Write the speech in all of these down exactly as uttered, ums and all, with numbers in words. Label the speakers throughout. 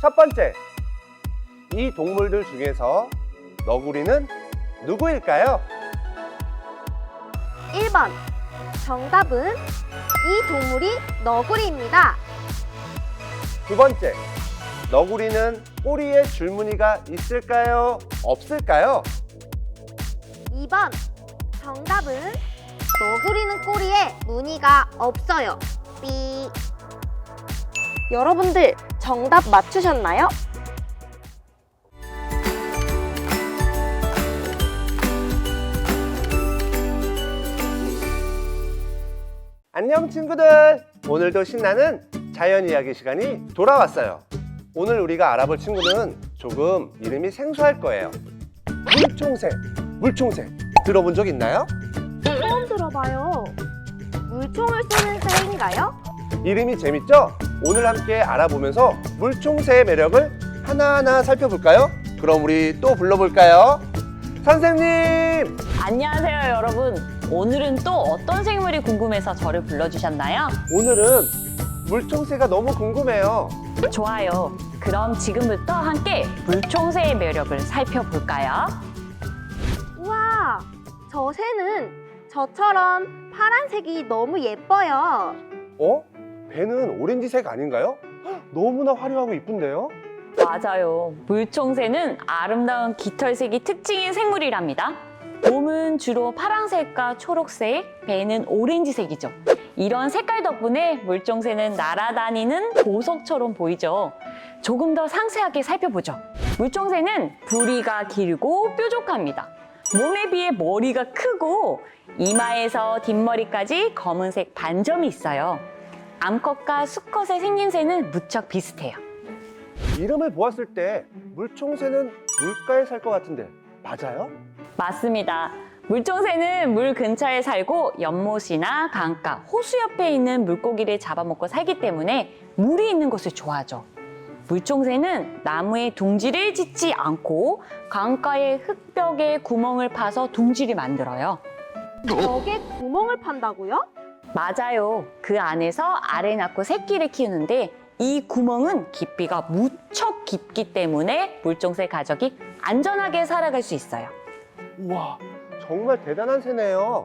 Speaker 1: 첫 번째, 이 동물들 중에서 너구리는 누구일까요?
Speaker 2: 일 번. 정답은 이 동물이 너구리입니다.
Speaker 1: 두 번째, 너구리는 꼬리에 줄무늬가 있을까요? 없을까요?
Speaker 2: 이 번. 정답은 너구리는 꼬리에 무늬가 없어요. 삐. 여러분들 정답 맞추셨나요?
Speaker 1: 안녕 친구들! 오늘도 신나는 자연 이야기 시간이 돌아왔어요. 오늘 우리가 알아볼 친구는 조금 이름이 생소할 거예요. 물총새, 물총새 들어본 적 있나요?
Speaker 2: 처음 들어봐요. 물총을 쏘는 새인가요?
Speaker 1: 이름이 재밌죠? 오늘 함께 알아보면서 물총새의 매력을 하나하나 살펴볼까요? 그럼 우리 또 불러볼까요? 선생님!
Speaker 3: 안녕하세요 여러분. 오늘은 또 어떤 생물이 궁금해서 저를 불러주셨나요?
Speaker 1: 오늘은 물총새가 너무 궁금해요.
Speaker 3: 좋아요. 그럼 지금부터 함께 물총새의 매력을 살펴볼까요?
Speaker 2: 우와, 저 새는 저처럼 파란색이 너무 예뻐요.
Speaker 1: 어? 배는 오렌지색 아닌가요? 헉, 너무나 화려하고 이쁜데요?
Speaker 3: 맞아요. 물총새는 아름다운 깃털색이 특징인 생물이랍니다. 몸은 주로 파란색과 초록색, 배는 오렌지색이죠. 이런 색깔 덕분에 물총새는 날아다니는 보석처럼 보이죠. 조금 더 상세하게 살펴보죠. 물총새는 부리가 길고 뾰족합니다. 몸에 비해 머리가 크고 이마에서 뒷머리까지 검은색 반점이 있어요. 암컷과 수컷의 생김새는 무척 비슷해요.
Speaker 1: 이름을 보았을 때 물총새는 물가에 살 것 같은데 맞아요?
Speaker 3: 맞습니다. 물총새는 물 근처에 살고 연못이나 강가, 호수 옆에 있는 물고기를 잡아먹고 살기 때문에 물이 있는 곳을 좋아하죠. 물총새는 나무에 둥지를 짓지 않고 강가의 흙벽에 구멍을 파서 둥지를 만들어요.
Speaker 2: 벽에 구멍을 판다고요?
Speaker 3: 맞아요. 그 안에서 알을 낳고 새끼를 키우는데 이 구멍은 깊이가 무척 깊기 때문에 물총새 가족이 안전하게 살아갈 수 있어요.
Speaker 1: 우와, 정말 대단한 새네요.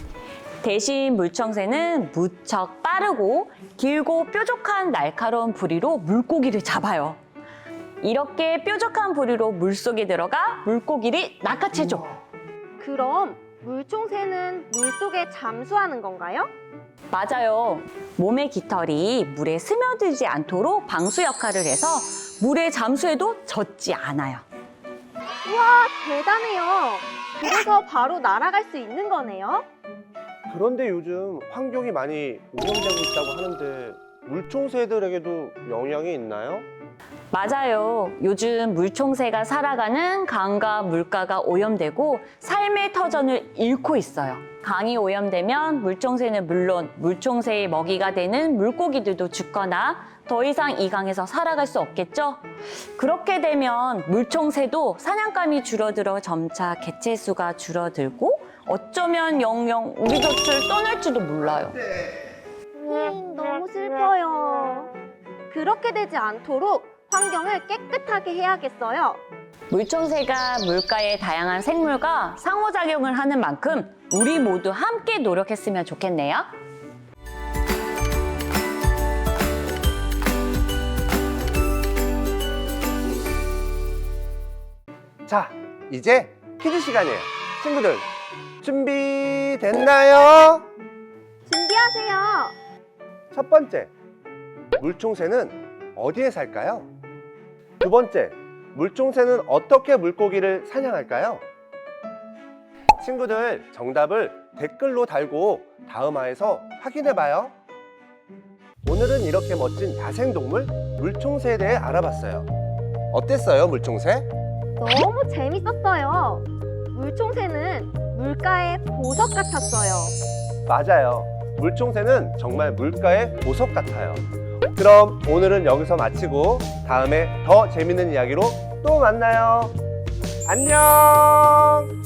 Speaker 3: 대신 물총새는 무척 빠르고 길고 뾰족한 날카로운 부리로 물고기를 잡아요. 이렇게 뾰족한 부리로 물속에 들어가 물고기를 낚아채죠.
Speaker 2: 그럼 물총새는 물속에 잠수하는 건가요?
Speaker 3: 맞아요. 몸의 깃털이 물에 스며들지 않도록 방수 역할을 해서 물에 잠수해도 젖지 않아요.
Speaker 2: 우와, 대단해요. 그래서 바로 날아갈 수 있는 거네요.
Speaker 1: 그런데 요즘 환경이 많이 오염되고 있다고 하는데 물총새들에게도 영향이 있나요?
Speaker 3: 맞아요. 요즘 물총새가 살아가는 강과 물가가 오염되고 삶의 터전을 잃고 있어요. 강이 오염되면 물총새는 물론 물총새의 먹이가 되는 물고기들도 죽거나 더 이상 이 강에서 살아갈 수 없겠죠? 그렇게 되면 물총새도 사냥감이 줄어들어 점차 개체수가 줄어들고 어쩌면 영영 우리 곁을 떠날지도 몰라요.
Speaker 2: 음, 너무 슬퍼요. 그렇게 되지 않도록 환경을 깨끗하게 해야겠어요.
Speaker 3: 물총새가 물가의 다양한 생물과 상호작용을 하는 만큼 우리 모두 함께 노력했으면 좋겠네요.
Speaker 1: 자, 이제 퀴즈 시간이에요. 친구들, 준비됐나요?
Speaker 2: 준비하세요.
Speaker 1: 첫 번째, 물총새는 어디에 살까요? 두 번째, 물총새는 어떻게 물고기를 사냥할까요? 친구들, 정답을 댓글로 달고 다음 화에서 확인해봐요. 오늘은 이렇게 멋진 야생동물 물총새에 대해 알아봤어요. 어땠어요, 물총새?
Speaker 2: 너무 재밌었어요. 물총새는 물가의 보석 같았어요.
Speaker 1: 맞아요. 물총새는 정말 물가의 보석 같아요. 그럼 오늘은 여기서 마치고 다음에 더 재밌는 이야기로 또 만나요. 안녕!